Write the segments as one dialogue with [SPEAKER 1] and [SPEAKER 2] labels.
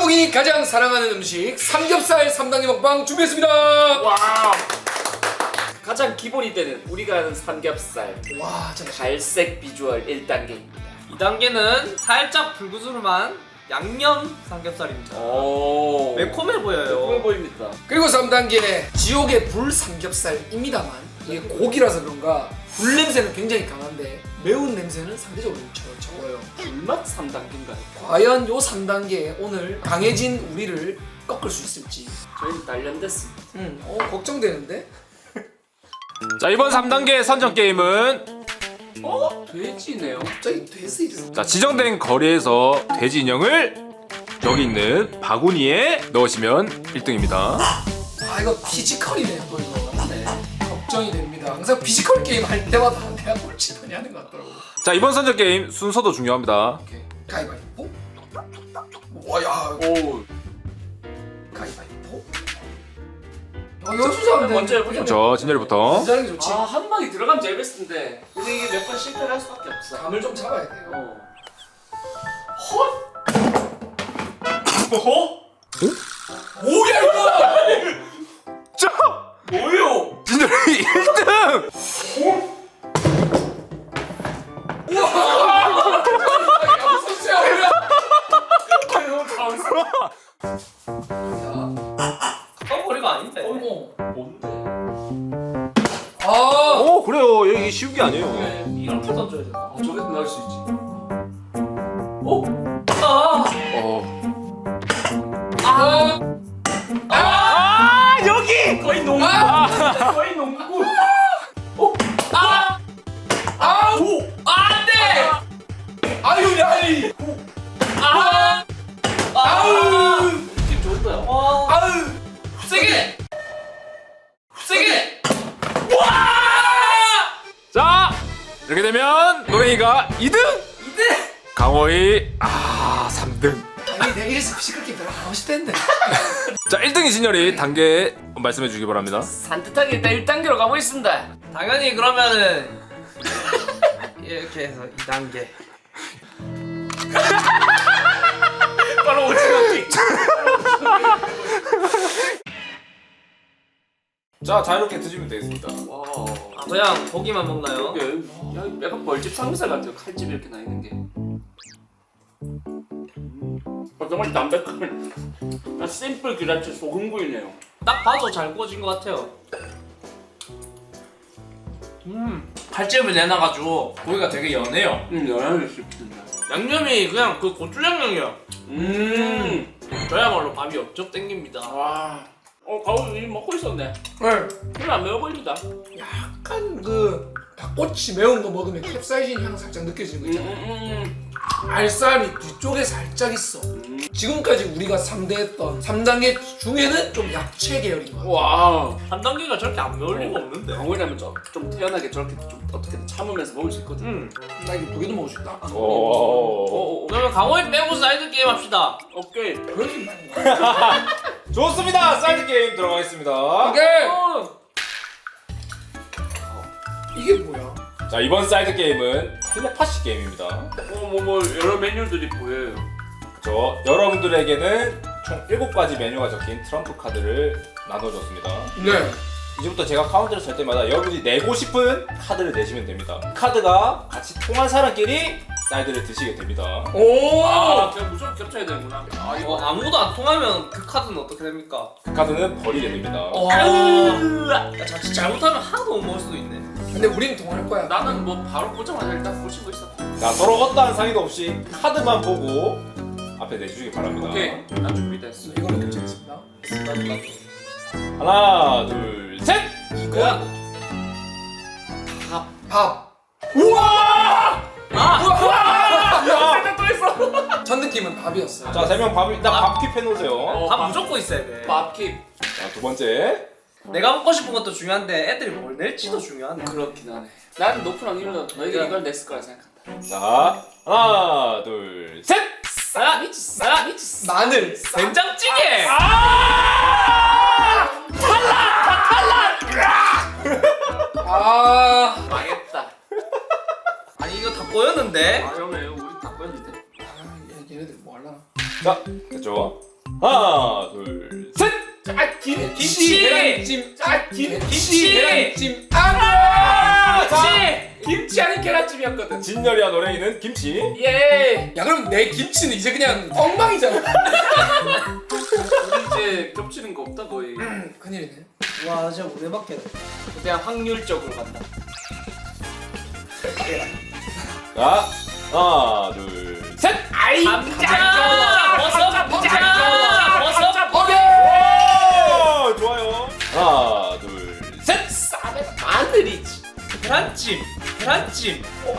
[SPEAKER 1] 짬뽕이 가장 사랑하는 음식 삼겹살 3단계 먹방 준비했습니다.
[SPEAKER 2] 와. 가장 기본이 되는 우리가 아는 삼겹살.
[SPEAKER 1] 와, 진짜
[SPEAKER 2] 갈색 비주얼 1단계입니다.
[SPEAKER 3] 2단계는 살짝 불구스름한 양념 삼겹살입니다.
[SPEAKER 2] 오.
[SPEAKER 3] 매콤해 보여요.
[SPEAKER 2] 매콤해 보입니다.
[SPEAKER 1] 그리고 3단계 지옥의 불 삼겹살입니다만 이게 고기라서 그런가 불 냄새는 굉장히 강한데 매운 냄새는 상대적으로 적어요.
[SPEAKER 2] 불맛 3단계인가요?
[SPEAKER 1] 과연 요 3단계에 오늘 강해진 우리를 꺾을 수 있을지
[SPEAKER 2] 저희는 단련됐습니다.
[SPEAKER 1] 걱정되는데?
[SPEAKER 4] 자, 이번 3단계 선정 게임은
[SPEAKER 2] 돼지네요.
[SPEAKER 1] 갑자기 돼서 이래서
[SPEAKER 4] 자, 지정된 거리에서 돼지 인형을 여기 있는 바구니에 넣으시면 1등입니다.
[SPEAKER 1] 아 이거 피지컬이네 또 이거. 네. 걱정이 됩니다. 항상 피지컬 게임 할 때마다 내가 꼴찌 많이 하는 것 같더라고.
[SPEAKER 4] 자, 이번 선정 게임 순서도 중요합니다.
[SPEAKER 1] 오케이. 가위바위보. 와야.
[SPEAKER 2] 오.
[SPEAKER 1] 가위바위보. 연수자인데
[SPEAKER 2] 먼저 해보자.
[SPEAKER 4] 저 진열이부터.
[SPEAKER 1] 긴장하는 게 좋지.
[SPEAKER 2] 한 방에 들어가면 제일 베스트인데 근데 이게 몇 번 실패를 할 수밖에 없어.
[SPEAKER 1] 감을 좀 잡아야 돼요. 뭐야 이거?
[SPEAKER 4] 자,
[SPEAKER 2] 뭐요?
[SPEAKER 4] 진열이 1등!
[SPEAKER 3] 가까운 거리가 아닌데.
[SPEAKER 1] 어머.
[SPEAKER 2] 뭔데?
[SPEAKER 1] 아.
[SPEAKER 4] 오, 그래요. 여기 쉬운 게 아니에요.
[SPEAKER 3] 이렇게 던져야 돼.
[SPEAKER 2] 저기서 나올 수 있지.
[SPEAKER 4] 아, 여기!
[SPEAKER 2] 거의 농구. 거의 농구.
[SPEAKER 1] 아우.
[SPEAKER 2] 안돼.
[SPEAKER 1] 아유 야이.
[SPEAKER 2] 아우. 느낌 좋은데요?
[SPEAKER 1] 아유.
[SPEAKER 2] 세게. 세게.
[SPEAKER 4] 자, 이렇게 되면 노랭이가 2등! 강호이 3등.
[SPEAKER 1] 아니 내가 이래서 시끄럽게 별로 하고 싶댔는데.
[SPEAKER 4] 자, 1등이 진열이 단계 말씀해 주기 바랍니다.
[SPEAKER 2] 산뜻하게 일단 1단계로 가보겠습니다.
[SPEAKER 3] 당연히 그러면은 이렇게 해서 2단계.
[SPEAKER 2] 바로 오징어
[SPEAKER 4] 자, 자유롭게 드시면 되겠습니다.
[SPEAKER 2] 와.
[SPEAKER 3] 그냥 고기만 먹나요?
[SPEAKER 2] 이게 약간 벌집 삼겹살 같아요. 칼집 이렇게 나 있는 게. 정말 담백한. 심플 기라치 소금구이네요.
[SPEAKER 3] 딱 봐도 잘 구워진 것 같아요. 칼집을 내놔가지고 고기가 되게 연해요.
[SPEAKER 2] 연하게 씹힌다.
[SPEAKER 3] 양념이 그냥 그 고추 양념이야. 저야말로 밥이 엽적 땡깁니다.
[SPEAKER 2] 와. 가우 이 먹고 있었네.
[SPEAKER 1] 네.
[SPEAKER 2] 별로 안 매워 보입니다.
[SPEAKER 1] 약간 그 닭꼬치 매운 거 먹으면 캡사이신 향 살짝 느껴지는 거 있잖아요. 알싸함이 뒤쪽에 살짝 있어. 지금까지 우리가 상대했던 3단계 중에는 좀 야채 계열인 것 같아.
[SPEAKER 2] 와.
[SPEAKER 3] 3단계가 저렇게 안 매울 리가 없는데.
[SPEAKER 2] 강호이라면 좀 태연하게 저렇게 좀 어떻게든 참으면서 먹을 수 있거든.
[SPEAKER 1] 나 이거 두 개도 먹을 수 있다.
[SPEAKER 4] 오.
[SPEAKER 3] 그러면 강호이 빼고 사이드 게임 합시다.
[SPEAKER 2] 오케이.
[SPEAKER 1] 그러지 말고.
[SPEAKER 4] 좋습니다. 사이드 게임 들어가겠습니다.
[SPEAKER 1] 오케이. 이게 뭐야?
[SPEAKER 4] 자, 이번 사이드 게임은 텔레파시 게임입니다.
[SPEAKER 2] 뭐 여러 메뉴들이 보여요.
[SPEAKER 4] 그쵸. 여러분들에게는 총 7가지 메뉴가 적힌 트럼프 카드를 나눠줬습니다.
[SPEAKER 1] 네.
[SPEAKER 4] 이제부터 제가 카운트를 칠 때마다 여러분이 내고 싶은 카드를 내시면 됩니다. 카드가 같이 통한 사람끼리 사이드를 드시게 됩니다.
[SPEAKER 1] 오.
[SPEAKER 2] 그냥 무조건 겹쳐야 되는구나.
[SPEAKER 3] 이거 아무도 안 통하면 그 카드는 어떻게 됩니까?
[SPEAKER 4] 그 카드는 버리게 됩니다.
[SPEAKER 3] 자칫 잘못하면 하나도 못 먹을 수도 있네.
[SPEAKER 1] 근데 우린 동할 거야.
[SPEAKER 2] 나는 뭐 바로 보자마자 일단 고치고 있어.
[SPEAKER 4] 자, 서로 어떠한 상의도 없이 카드만 보고 앞에 내주시기 바랍니다.
[SPEAKER 2] 오케이. 나 준비됐어.
[SPEAKER 1] 이거는 결정했습니다.
[SPEAKER 4] 하나, 둘, 셋!
[SPEAKER 3] 이거야?
[SPEAKER 1] 밥.
[SPEAKER 2] 생각 또 했어.
[SPEAKER 1] 첫 느낌은 밥이었어.
[SPEAKER 4] 자, 3명 밥, 일단 밥 킵해놓으세요.
[SPEAKER 3] 밥 무조건 있어야 돼.
[SPEAKER 2] 밥킵.
[SPEAKER 4] 자, 두 번째.
[SPEAKER 3] 내가 먹고 싶은 것도 중요한데 애들이 뭘 낼지도 중요하네.
[SPEAKER 2] 그렇긴 하네. 난 높은 확률로 너희가 이걸 냈을 거라 생각한다.
[SPEAKER 4] 자, 하나, 둘, 셋!
[SPEAKER 1] 마늘.
[SPEAKER 3] 된장찌개!
[SPEAKER 2] 망했다.
[SPEAKER 3] 아니 이거 다 꼬였는데?
[SPEAKER 2] 아, 그러면 우리 다 뺐는데.
[SPEAKER 1] 얘네들 뭐 할라나?
[SPEAKER 4] 자, 됐죠? 하나 둘 셋.
[SPEAKER 3] 김치!
[SPEAKER 1] 계란찜.
[SPEAKER 3] 김치!
[SPEAKER 1] 계란찜.
[SPEAKER 3] 그렇지!
[SPEAKER 1] 김치 아닌 계란찜이었거든.
[SPEAKER 4] 진열이와 노랭이는 김치.
[SPEAKER 1] 예. 야 그럼 내 김치는 이제 그냥 엉망이잖아.
[SPEAKER 2] 우리 이제 겹치는 거 없다 거의.
[SPEAKER 1] 큰일이네.
[SPEAKER 3] 와 진짜 오래밖에
[SPEAKER 2] 그냥 확률적으로 간다.
[SPEAKER 4] 자 하나 둘 셋.
[SPEAKER 1] 아이
[SPEAKER 3] 감자! 버섯! 감자! 버섯!
[SPEAKER 4] 오, 좋아요. 하나 둘 셋.
[SPEAKER 2] 마늘이지.
[SPEAKER 3] 계란찜! 계란찜!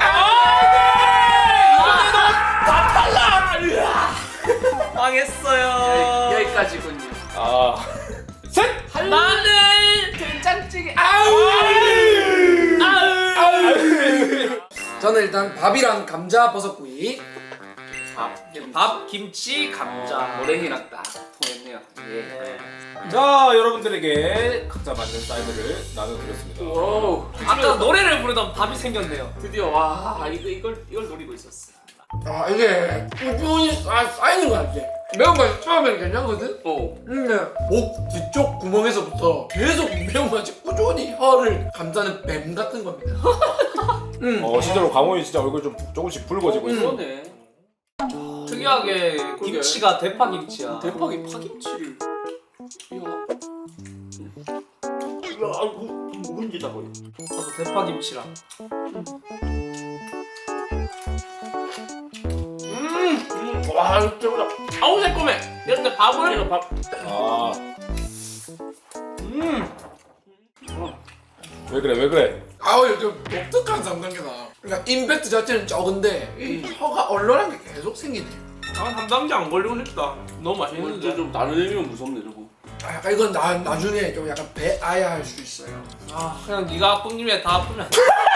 [SPEAKER 3] 망했어요.
[SPEAKER 2] 여기까지군요.
[SPEAKER 4] 셋.
[SPEAKER 3] 마늘!
[SPEAKER 2] 된장찌개.
[SPEAKER 1] 저는 일단 밥이랑 감자 버섯구이.
[SPEAKER 3] 밥, 김치, 감자.
[SPEAKER 2] 노랭이랑 딱 통했네요. 예.
[SPEAKER 3] 네.
[SPEAKER 4] 자 여러분들에게 각자 맞는 사이드를 나눠드렸습니다.
[SPEAKER 2] 오.
[SPEAKER 3] 아까 노래를 부르던 밥이 생겼네요.
[SPEAKER 2] 드디어 와 이걸 노리고 있었어.
[SPEAKER 1] 아 이게 꾸준히 쌓이는 거 같아. 매운맛이 처음에는 괜찮거든?
[SPEAKER 2] 오.
[SPEAKER 1] 근데 목 뒤쪽 구멍에서부터 계속 매운맛이 꾸준히 혀를 감싸는 뱀 같은 겁니다.
[SPEAKER 4] 실제로 강호이 진짜 얼굴 좀 조금씩 붉어지고 있어.
[SPEAKER 2] 그러네.
[SPEAKER 3] 특이하게 김치가 대파 김치야.
[SPEAKER 2] 대박이 파김치를. 이야. 묵은지다 거의.
[SPEAKER 3] 저도 대파 김치랑.
[SPEAKER 2] 와 이거 최고다.
[SPEAKER 3] 아우 새콤해. 이럴 때 밥을
[SPEAKER 2] 이거 밥.
[SPEAKER 4] 아. 왜 그래 왜 그래?
[SPEAKER 1] 아우 이거 좀 독특한 3단계다. 그러니까 임팩트 자체는 적은데 이 혀가 얼얼한 게 계속 생기네.
[SPEAKER 3] 아 담당자 안 걸리고 싶다. 너무
[SPEAKER 2] 이거
[SPEAKER 3] 맛있는데.
[SPEAKER 2] 좀 나누면 무섭네 저거.
[SPEAKER 1] 아 약간 이건 나중에 좀 약간 배아야 할 수 있어요.
[SPEAKER 3] 아 그냥 네가 아픈 김에 다 아프면.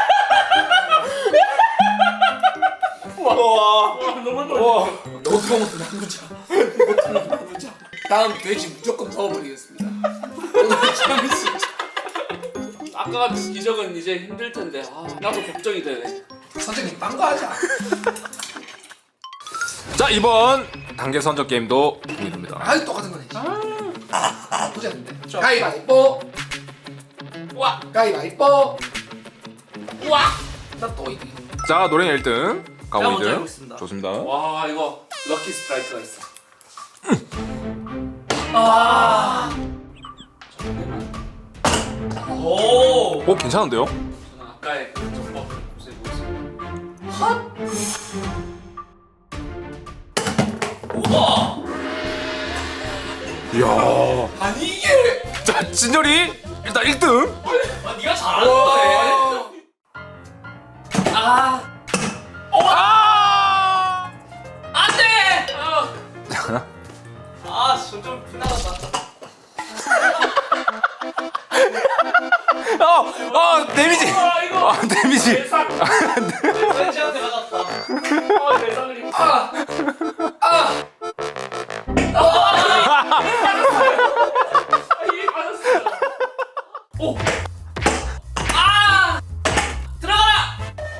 [SPEAKER 4] 와.
[SPEAKER 2] 너무
[SPEAKER 4] 와.
[SPEAKER 1] 너도 먹고 나누자. 너도 나누자. 다음 돼지 무조건 넣어버리겠습니다. 오늘 참 진짜.
[SPEAKER 2] 아까 같은 기적은 이제 힘들 텐데 나도 걱정이 되네.
[SPEAKER 1] 선생님 딴 거 하자.
[SPEAKER 4] 자 이번 단계 선적 게임도 공개됩니다.
[SPEAKER 1] 아이 똑같은 거네. 나쁘지 않은데. 가위바위보.
[SPEAKER 3] 와.
[SPEAKER 1] 가위바위보.
[SPEAKER 3] 와.
[SPEAKER 1] 나또 이기.
[SPEAKER 4] 자 노랭이 1등, 강호
[SPEAKER 3] 제가 먼저
[SPEAKER 4] 2등.
[SPEAKER 3] 해보겠습니다.
[SPEAKER 4] 좋습니다.
[SPEAKER 2] 와 이거 럭키 스트라이크가 있어.
[SPEAKER 3] 아. 오.
[SPEAKER 4] 괜찮은데요?
[SPEAKER 2] 저는 아까의 그 전법 고세고 있어.
[SPEAKER 3] 우와.
[SPEAKER 4] 이야.
[SPEAKER 1] 아니 이게.
[SPEAKER 4] 자 진열이 일단 1등.
[SPEAKER 3] 아 네가 잘한다. 아.
[SPEAKER 4] 아.
[SPEAKER 3] 안돼. 아, 점점 피나갔다.
[SPEAKER 4] 데미지.
[SPEAKER 2] 이거
[SPEAKER 4] 데미지.
[SPEAKER 3] 렌즈한테 맞았다.
[SPEAKER 2] 대상을 이게 맞았어.
[SPEAKER 3] 오. 아! 들어가라.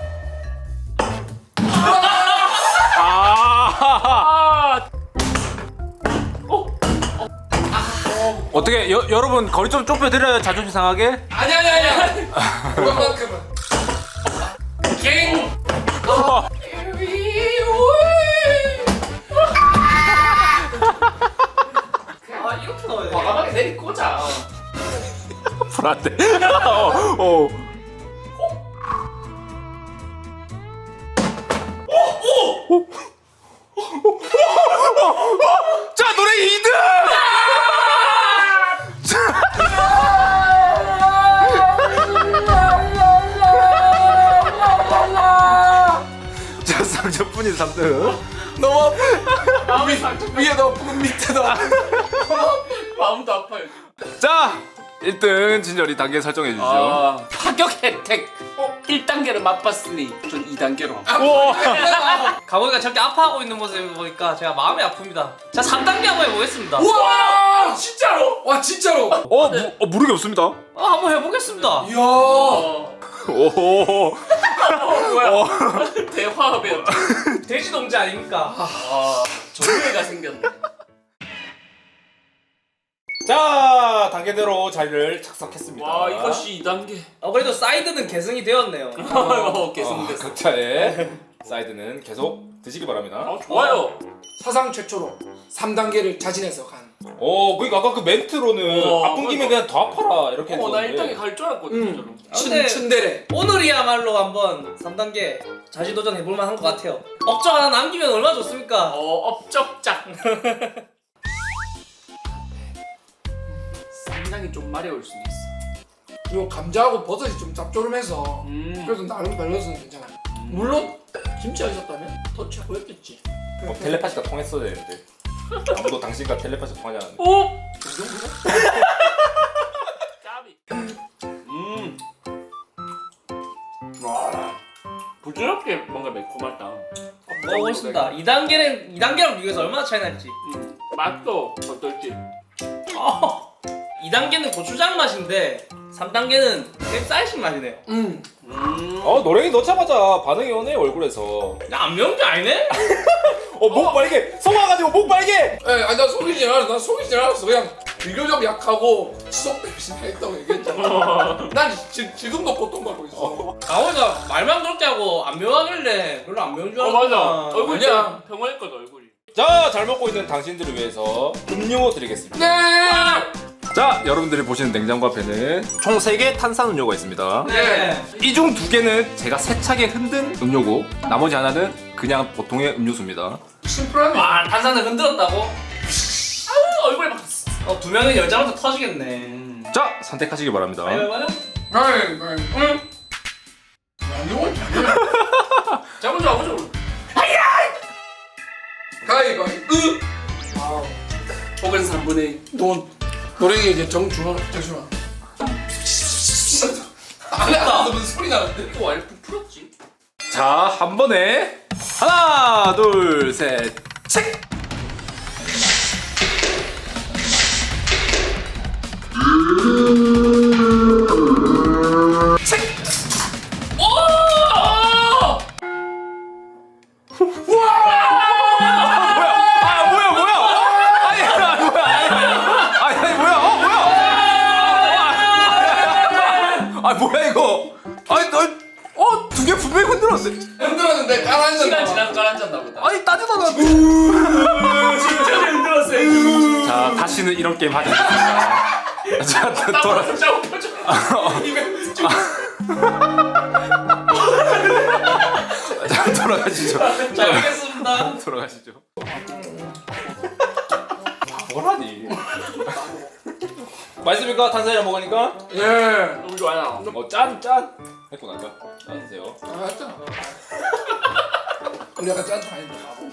[SPEAKER 4] 어떻게 여러분 거리 좀 좁혀드려요 자존심 상하게?
[SPEAKER 1] 아니야. 그만큼은. 갱.
[SPEAKER 3] 아, 이렇게 넣어야 돼.
[SPEAKER 2] 과감하게 내리 꽂아.
[SPEAKER 4] 불안돼. 자 노래 2등. 자 상처뿐인 3등.
[SPEAKER 1] 너무
[SPEAKER 2] 마음이 상처.
[SPEAKER 1] 위에도 아프고 밑에도 아프고.
[SPEAKER 2] 마음도 아파요.
[SPEAKER 4] 자 1등 진열이 단계 설정해 주시죠.
[SPEAKER 2] 파격 혜택. 1단계를 맛봤으니 전 2단계로.
[SPEAKER 3] 강호이가 저렇게 아파하고 있는 모습을 보니까 제가 마음이 아픕니다. 자, 3단계 한번 해보겠습니다.
[SPEAKER 1] 우와!
[SPEAKER 2] 진짜로?
[SPEAKER 1] 와 진짜로.
[SPEAKER 4] 무르기 없습니다.
[SPEAKER 3] 한번 해보겠습니다.
[SPEAKER 1] 이야.
[SPEAKER 4] 오.
[SPEAKER 2] 뭐야? 대화합이야.
[SPEAKER 3] 돼지 동지 아닙니까?
[SPEAKER 2] 정의가 생겼네.
[SPEAKER 4] 단계대로 자리를 착석했습니다.
[SPEAKER 2] 와 이것이 2단계.
[SPEAKER 3] 그래도 사이드는 계승이 되었네요.
[SPEAKER 2] 계승됐어.
[SPEAKER 4] 각자의 사이드는 계속 드시기 바랍니다.
[SPEAKER 2] 좋아요.
[SPEAKER 1] 사상 최초로 3단계를 자진해서 간.
[SPEAKER 4] 그러니까 아까 그 멘트로는 아픈 김에 그냥 더 아파라 이렇게
[SPEAKER 2] 나
[SPEAKER 4] 했는데
[SPEAKER 2] 1단계 갈 줄 알았거든.
[SPEAKER 3] 근데
[SPEAKER 1] 춘대래.
[SPEAKER 3] 오늘이야말로 한번 3단계 자신 도전 해볼만 한 것 같아요. 업적 하나 남기면 얼마나 좋습니까?
[SPEAKER 2] 업적작. 상당히 좀 마려울 수도 있어.
[SPEAKER 1] 그리고 감자하고 버섯이 좀 짭조름해서 그래도 나름 밸런스는 괜찮아. 물론 김치가 있었다면 더 최고였겠지.
[SPEAKER 4] 텔레파시가 통했어야 되는데 아무도 당신과 텔레파시가 통하지 않았는데.
[SPEAKER 2] 오! 까비. 와. 부드럽게 뭔가 매콤하다.
[SPEAKER 3] 먹어보겠습니다. 2단계랑 비교해서 얼마나 차이 날지.
[SPEAKER 2] 맛도 어떨지.
[SPEAKER 3] 2단계는 고추장 맛인데 3단계는 캡사이신 맛이네요.
[SPEAKER 4] 노랭이 넣자마자 반응이 오네 얼굴에서.
[SPEAKER 3] 안 매운 게 아니네?
[SPEAKER 4] 목 빨개! 속아가지고 목 빨개!
[SPEAKER 1] 나 속이지 않았어. 난 속이지 않았어. 그냥 비교적 약하고 지속 대신 했다고 얘기했잖아. 난 지금도 고통받고 있어.
[SPEAKER 3] 강호이가 말만 그렇게 하고 안 매워하길래 별로 안 매운 줄 알았구나.
[SPEAKER 2] 맞아. 얼굴이
[SPEAKER 1] 아니야.
[SPEAKER 2] 평화했거든 얼굴이.
[SPEAKER 4] 자, 잘 먹고 있는 당신들을 위해서 음료 드리겠습니다.
[SPEAKER 1] 네.
[SPEAKER 4] 자, 여러분들이 보시는 냉장고 앞에는 총 3개 탄산음료가 있습니다.
[SPEAKER 3] 네.
[SPEAKER 4] 이 중 2개는 제가 세차게 흔든 음료고 나머지 하나는 그냥 보통의 음료수입니다.
[SPEAKER 1] 심플하네.
[SPEAKER 3] 탄산을 흔들었다고?
[SPEAKER 2] 얼굴에 막.
[SPEAKER 3] 2명은 열자마자 터지겠네.
[SPEAKER 4] 자, 선택하시기 바랍니다.
[SPEAKER 3] 맞아?
[SPEAKER 2] 잡아줘.
[SPEAKER 1] 가위바위보.
[SPEAKER 2] 혹은 3분의 1.
[SPEAKER 1] 노랭이 이제 정중앙. 안에 무슨 소리 나는데?
[SPEAKER 2] 이거 와이프 풀었지?
[SPEAKER 4] 자, 한 번에 하나, 둘, 셋, 책! 뭐야 이거? 두 개 분명히 흔들었는데.
[SPEAKER 1] 흔들었는데 가라앉았나
[SPEAKER 2] 시간
[SPEAKER 1] 봐.
[SPEAKER 2] 지나서 깔았잖나 보다.
[SPEAKER 4] 따지도 않았
[SPEAKER 2] 진짜 흔들었어요.
[SPEAKER 4] 자, 다시는 이런 게임 하지 않겠습니다. 자, 돌아.
[SPEAKER 2] 진짜 웃겨줘. 이벤트 중.
[SPEAKER 4] 자, 돌아가시죠.
[SPEAKER 3] 자, 알겠습니다.
[SPEAKER 4] 돌아가시죠. 뭐라니? 맛있습니까? 탄산이랑 먹으니까?
[SPEAKER 1] 예.
[SPEAKER 2] 너무 좋아요.
[SPEAKER 4] 짠! 했고 나니까 짠 드세요.
[SPEAKER 1] 알았잖아. 우리 약간 짠 타임도 가고.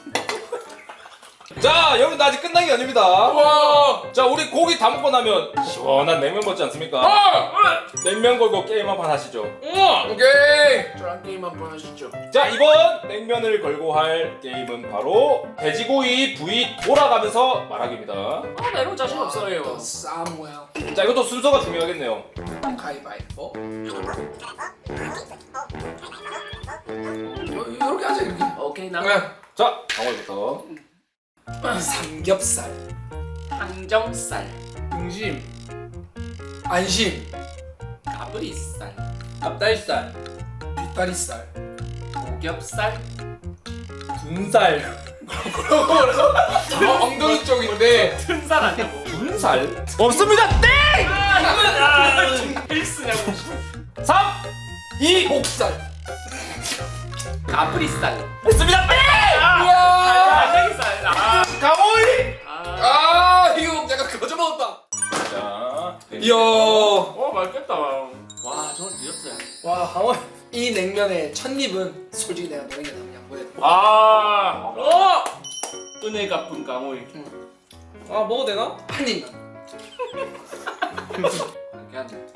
[SPEAKER 4] 자, 여러분 아직 끝난 게 아닙니다.
[SPEAKER 1] 와.
[SPEAKER 4] 자, 우리 고기 다 먹고 나면 시원한 냉면 먹지 않습니까? 냉면 걸고 게임 한판 하시죠.
[SPEAKER 1] 오케이.
[SPEAKER 2] 저랑 게임 한번 하시죠.
[SPEAKER 4] 자, 이번 냉면을 걸고 할 게임은 바로 돼지고기 부위 돌아가면서 말하기입니다.
[SPEAKER 2] 나 이런 거 자신 없어요.
[SPEAKER 1] 사무엘.
[SPEAKER 4] 자, 이것도 순서가 중요하겠네요.
[SPEAKER 1] 가위바위보. 이렇게 하자 이렇게.
[SPEAKER 2] 오케이 나.
[SPEAKER 4] 자, 강월부터.
[SPEAKER 1] 삼겹살.
[SPEAKER 2] 항정살,
[SPEAKER 3] 등심,
[SPEAKER 1] 안심.
[SPEAKER 2] 가브리살,
[SPEAKER 3] 앞다리살,
[SPEAKER 1] 뒷다리살.
[SPEAKER 2] 오겹살,
[SPEAKER 3] 군살.
[SPEAKER 1] 엉덩이 쪽인데.
[SPEAKER 2] 튼살 아니야 뭐.
[SPEAKER 4] 군살? 없습니다. 땡!
[SPEAKER 2] 필수냐고.
[SPEAKER 4] 3, 2,
[SPEAKER 1] 목살.
[SPEAKER 2] 가브리살.
[SPEAKER 4] 했습니다. 땡!
[SPEAKER 2] 갈매기살.
[SPEAKER 4] 강호이!
[SPEAKER 1] 이거 약간 거저 먹었다.
[SPEAKER 4] 자,
[SPEAKER 1] 이야.
[SPEAKER 2] 맛있겠다. 와, 저는 드셨어요.
[SPEAKER 1] 와, 강원. 이 냉면의 첫 입은 솔직히 내가 너에게 양보해.
[SPEAKER 2] 은혜 갚은 강호이.
[SPEAKER 3] 먹어도 되나?
[SPEAKER 1] 한 입만.
[SPEAKER 2] 괜찮네.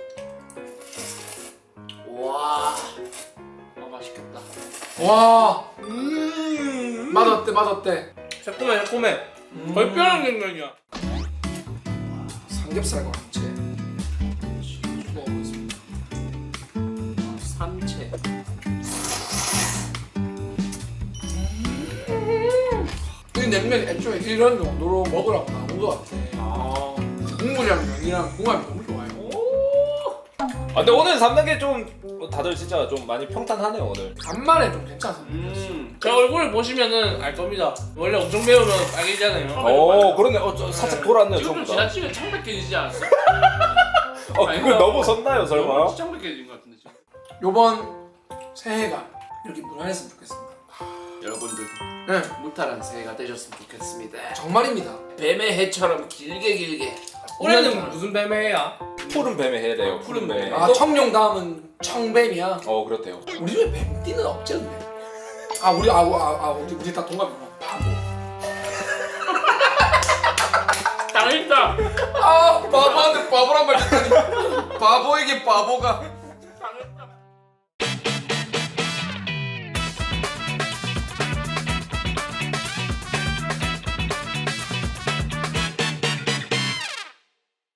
[SPEAKER 2] 와, 맛있겠다.
[SPEAKER 1] 와. 맛어때?
[SPEAKER 3] 새콤해. 거의 뼈랑 냉면이야.
[SPEAKER 1] 삼겹살과 감채. 먹어보겠습니다.
[SPEAKER 2] 삼채.
[SPEAKER 1] 이 냉면 애초에 이런 정도로 먹으라고 나온 것 같아. 국물이랑 면이랑 궁합이 너무 좋아요.
[SPEAKER 4] 아 근데 오늘 3단계 좀 다들 진짜 좀 많이 평탄하네요 오늘.
[SPEAKER 1] 간만에 좀 괜찮았어요.
[SPEAKER 2] 제 얼굴을 보시면은 알 겁니다. 원래 엄청 매우면 빨개지잖아요.
[SPEAKER 4] 그러네. 저 살짝 돌았네요
[SPEAKER 2] 지금 좀
[SPEAKER 4] 전부 다.
[SPEAKER 2] 지나치게 창백해지지 않았어?
[SPEAKER 4] 그걸 넘어섰나요 설마?
[SPEAKER 2] 너무 창백해진 것 같은데 지금.
[SPEAKER 1] 요번 새해가 이렇게 무난했으면 좋겠습니다.
[SPEAKER 2] 여러분들도
[SPEAKER 1] 네,
[SPEAKER 2] 무탈한 새해가 되셨으면 좋겠습니다.
[SPEAKER 1] 정말입니다.
[SPEAKER 2] 뱀의 해처럼 길게.
[SPEAKER 3] 올해는 무슨 뱀해야?
[SPEAKER 4] 푸른 뱀의 해래요. 푸른 뱀.
[SPEAKER 1] 아 청룡 다음은 청뱀이야.
[SPEAKER 4] 그렇대요.
[SPEAKER 1] 우리 집에 뱀띠는 없지 않네. 우리 다 동갑이구나. 바보.
[SPEAKER 2] 당했다.
[SPEAKER 1] 바보한테 바보란 말 듣다니. 바보에게 바보가.